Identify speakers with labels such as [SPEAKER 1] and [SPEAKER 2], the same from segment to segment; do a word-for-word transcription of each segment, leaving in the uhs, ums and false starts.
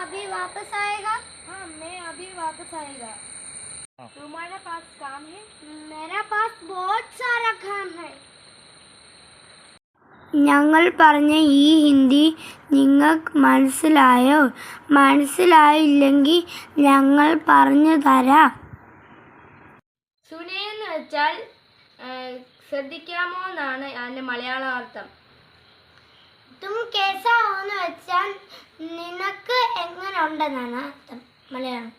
[SPEAKER 1] अभी वापस आएगा?
[SPEAKER 2] हाँ, मैं अभी वापस आएगा। तुम्हारे पास काम है?
[SPEAKER 1] मेरा पास बहुत सारा काम है.
[SPEAKER 3] ഞങ്ങൾ പറഞ്ഞ ഈ ഹിന്ദി നിങ്ങൾക്ക് മനസ്സിലായോ? മനസ്സിലായില്ലെങ്കിൽ ഞങ്ങൾ പറഞ്ഞു തരാം.
[SPEAKER 2] സുനെ എന്ന് വെച്ചാൽ ശ്രദ്ധിക്കാമോ എന്നാണ് അതിൻ്റെ മലയാള അർത്ഥം.
[SPEAKER 1] तुम कैसा हो എന്ന് വെച്ചാൽ നിനക്ക് എങ്ങനെ ഉണ്ടെന്നാണ് അർത്ഥം മലയാളം.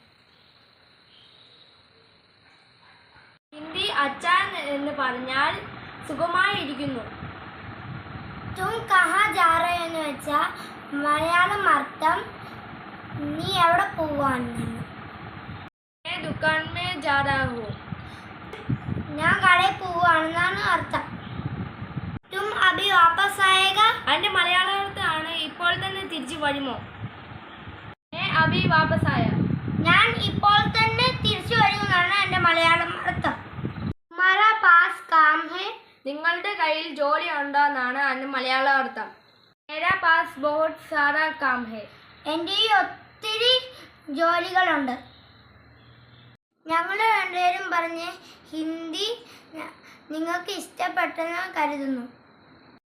[SPEAKER 2] ഹിന്ദി അച്ഛൻ എന്ന് പറഞ്ഞാൽ സുഖമായിരിക്കുന്നു.
[SPEAKER 1] तुम कहाँ जा रहे हो എന്ന് വെച്ചാൽ മലയാളം അർത്ഥം നീ എവിടെ പോവാണെന്നാണ്.
[SPEAKER 2] मैं दुकान में जा रहा हूँ.
[SPEAKER 1] ഞാൻ കടയിൽ പോവാണെന്നാണ് അർത്ഥം. तुम अभी वापस आएगा?
[SPEAKER 2] അതിൻ്റെ മലയാള അർത്ഥമാണ് ഇപ്പോൾ തന്നെ തിരിച്ചു വരുമോ. मैं अभी वापस आया.
[SPEAKER 1] ഞാൻ ഇപ്പോൾ തന്നെ തിരിച്ചു വരുമെന്നാണ് എൻ്റെ മലയാളം അർത്ഥം. तुम्हारा पास काम है?
[SPEAKER 2] നിങ്ങളുടെ കയ്യിൽ ജോലി ഉണ്ടോ എന്നാണ് അതിൻ്റെ മലയാള അർത്ഥം. मेरा पास बहुत सारा काम है.
[SPEAKER 1] എൻ്റെ ഈ ഒത്തിരി ജോലികളുണ്ട്. ഞങ്ങൾ രണ്ടുപേരും പറഞ്ഞ് ഹിന്ദി നിങ്ങൾക്ക് ഇഷ്ടപ്പെട്ടെന്ന് കരുതുന്നു.